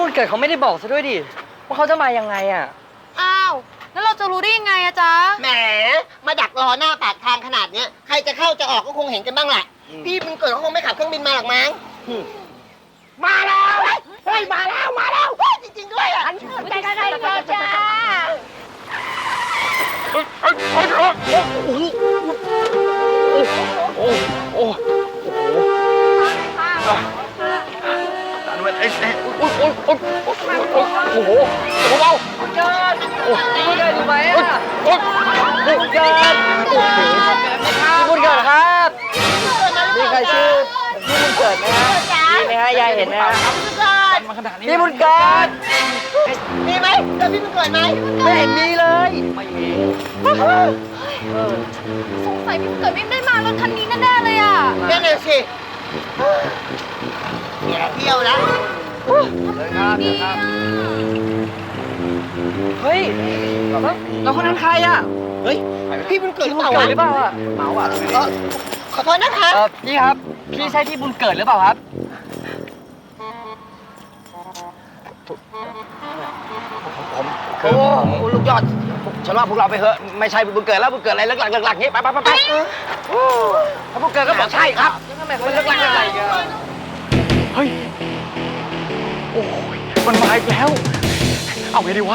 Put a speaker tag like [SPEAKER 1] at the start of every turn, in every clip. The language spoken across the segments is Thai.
[SPEAKER 1] วันเกิดเขาไม่ได้บอกซะด้วยดิว่าเขาจะมายังไงอ่ะ
[SPEAKER 2] อ้าวแล้วเราจะรู้ได้ยังไงอะจ๊ะ
[SPEAKER 3] แหมมาดักรอหน้าปากทางขนาดเนี้ยใครจะเข้าจะออกก็คงเห็นกันบ้างแหละพี่มันเกิดเขาคงไม่ขับเครื่องบินมาหรอกมั้งมาแล้วเฮ้ยมาแล้วเฮ้ยจริงๆด้วยอ่ะใจใครเกิดจ้า
[SPEAKER 4] โอ้โหเบา
[SPEAKER 1] คุณเกิดอยู่ไหมอ่ะคุณเกิดคุณเกิดครับมีใครชื่อพี่บุญเกิดไหมฮะมีไหมฮะยายเห็นไหมฮะพี่บุญเกิด
[SPEAKER 3] มีไหมเจอพี่มันเกิดไหม
[SPEAKER 1] ไม่เห็นมีเลยไม่มี
[SPEAKER 2] สงสัยพี่เกิดไม่ได้มารถคันนี้แน่ๆเลยอะ
[SPEAKER 3] นั่นเลยสิแย่เที่ยวแล้ว
[SPEAKER 1] เฮ้ยแล้วคนนั้นใครอ่ะ
[SPEAKER 3] เฮ้ยพี่บุญเกิดหรือเปล่า
[SPEAKER 1] หรือเปล่าอ่ะเมาอ่ะ
[SPEAKER 3] ขอโทษนะคะ
[SPEAKER 1] พี่ครับพี่ใช่พี่บุญเกิดหรือเปล่าครับ
[SPEAKER 4] ผมคือลูกยอดฉันว่าพวกเราไปเถอะไม่ใช่บุญเกิดแล้วบุญเกิดอะไรเลิกหลักๆงี้ไปถ้าบุญเกิดก็บอกใช่ครับมันเลิกหลักอะไร
[SPEAKER 1] เฮ้ยโอ้ยมันมาอีกแล้วเอาไงดีวะ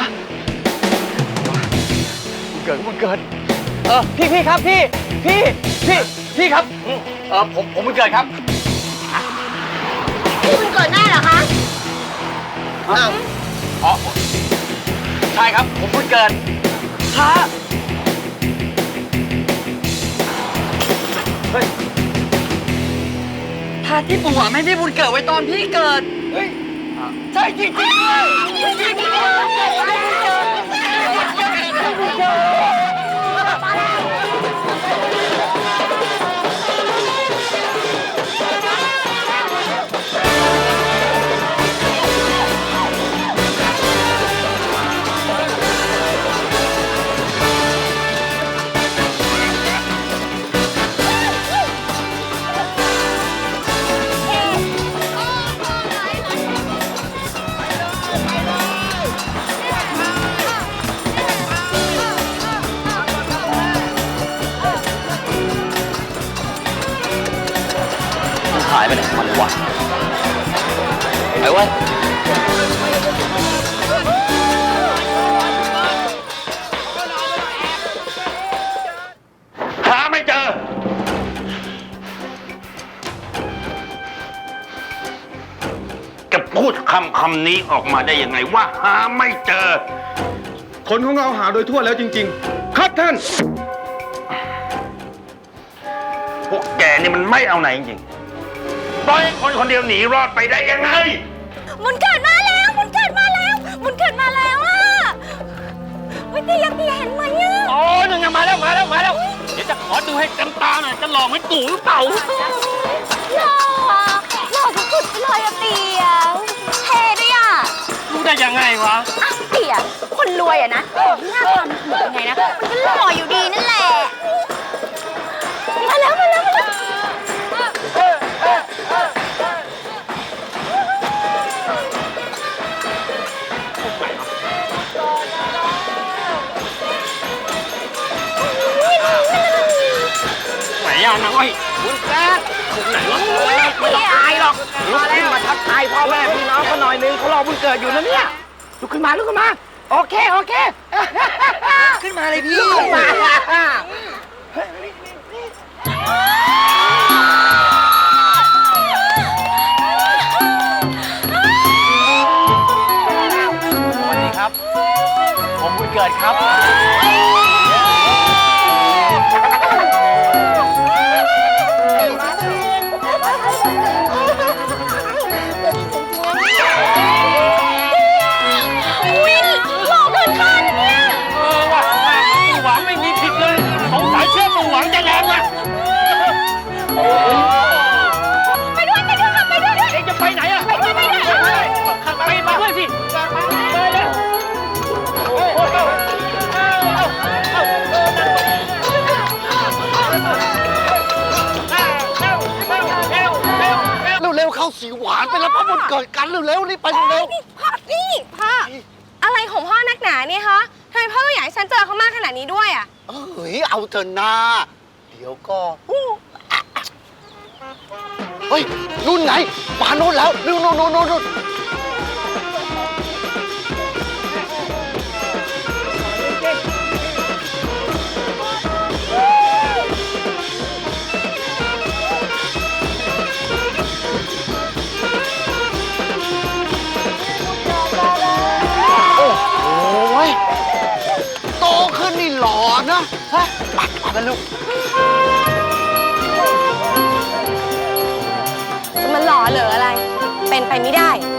[SPEAKER 1] บุญเกิดพี่ครับพี่ครับผมบุญเกิดครับ
[SPEAKER 3] พี่บุญเกิดแน่เหรอคะ
[SPEAKER 4] อ๋อใช่ครับผมบุญเกิด
[SPEAKER 1] ฮะเฮ้ยพาที่ปู่ไม่พี่บุญเกิดไว้ตอนพี่เกิดเฮ้ยใช่จริงๆ
[SPEAKER 4] หายไปไหนมันวะไปเว้ยหาไม่เจอจะพูดคำนี้ออกมาได้ยังไงว่าหาไม่เจอ
[SPEAKER 5] คนของเราหาโดยทั่วแล้วจริงๆครับท่าน
[SPEAKER 4] พวกแกนี่มันไม่เอาไหนจริงๆปล่อยคนคนเดียวหนีรอดไปได้ยังไง
[SPEAKER 2] บุญเกิดมาแล้วบุญเกิดมาแล้วอะวิทยาเห็นไหมอะ
[SPEAKER 4] โอ้ยยังมาแล้วเดี๋ยวจะขอดูให้เต็มตาหน่อยจะหลอกไม่ตู่หรือเปล่า
[SPEAKER 2] หล่อสุดๆเลยอะเตี๋ยวเท่ด้วยอะ
[SPEAKER 4] รู้ได้ยังไงวะ
[SPEAKER 2] เตี๋ยวคนรวยอะนะหน้าตามันเป็นไงนะมันก็หล่ออยู่ดีนั่นแหละมาแล้ว
[SPEAKER 4] ไหนอ่ะนางอ้อยคุณแป๊ดไหนวะไม่ต้องอายหรอกลุกขึ้นมาทักทายพ่อแม่พี่น้องเขาหน่อยนึงเขารอบุญเกิดอยู่นะเนี่ยลุกขึ้นมาโอเค
[SPEAKER 1] ขึ้นมาเลยพี่
[SPEAKER 4] ขึ้นมาสวัสดีครับผมบุญเกิดครับ
[SPEAKER 5] สีหวานไปแล้วเพราะมันเกิดกันเร็วๆรีบไปเร็ว
[SPEAKER 2] นี่พ่อ อะไรของพ่อนักหนาเนี่ยคะทำไมพ่อต้องอยากให้ฉันเจอเขามากขนาดนี้ด้วยอ่ะ
[SPEAKER 6] เฮ้ย เอาเถอะนาเดี๋ยวก็เฮ้ย นู่นไงมาโน่นแล้วนู่นโอ้ยโตขึ้นนี่หล่อนะฮะไปกันลูก
[SPEAKER 2] จะมาหล่อเหลืออะไร เป็นไปไม่ได้